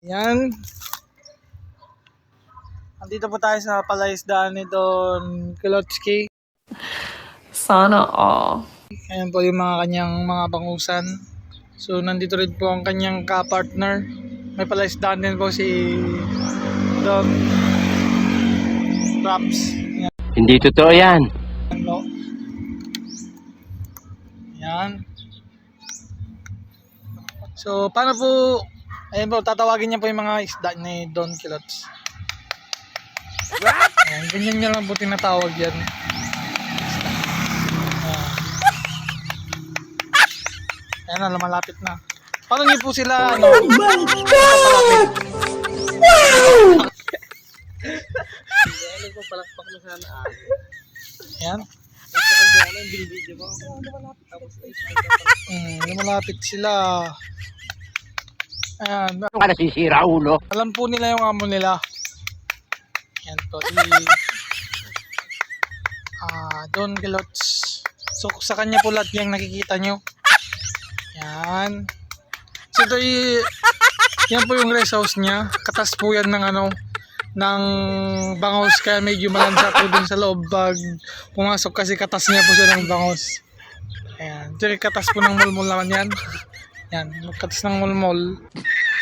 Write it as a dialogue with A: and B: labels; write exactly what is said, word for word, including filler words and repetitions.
A: Yan. Andito po tayo sa palaisdaan ni Don Kilotsky.
B: Sana all.
A: Ayan po yung mga kanyang mga bangusan. So nandito rin po ang kanyang ka-partner. May palaisdaan din po si Don Raps. Ayan.
C: Hindi totoo yan.
A: Ano? Ayan. So paano po, ayan po, tatawagin niya po yung mga isda ni Don Kilots. Ayan, ganyan niya lang po tinatawag yan. Ayan na, lumalapit na. Paano niyo po sila, ano? Oh my God! Wow! Ano po, palakpak na sana. Ayan. Hmm, lumalapit sila. Ayan.
C: Ano ka nasisira, ulo?
A: Alam po nila yung amo nila. Ayan to. I, ah, Don Kilots. So, sa kanya po lahat yung nakikita nyo. Yan. So ito y- yan po yung rest house niya. Katas po yan ng ano, ng bangos, kaya medyo malansa po dun sa loob pag pumasok kasi katas niya po siya ng bangos. Ayan. Ito yung katas po ng mulmul naman yan. Yan. Katas ng mulmul.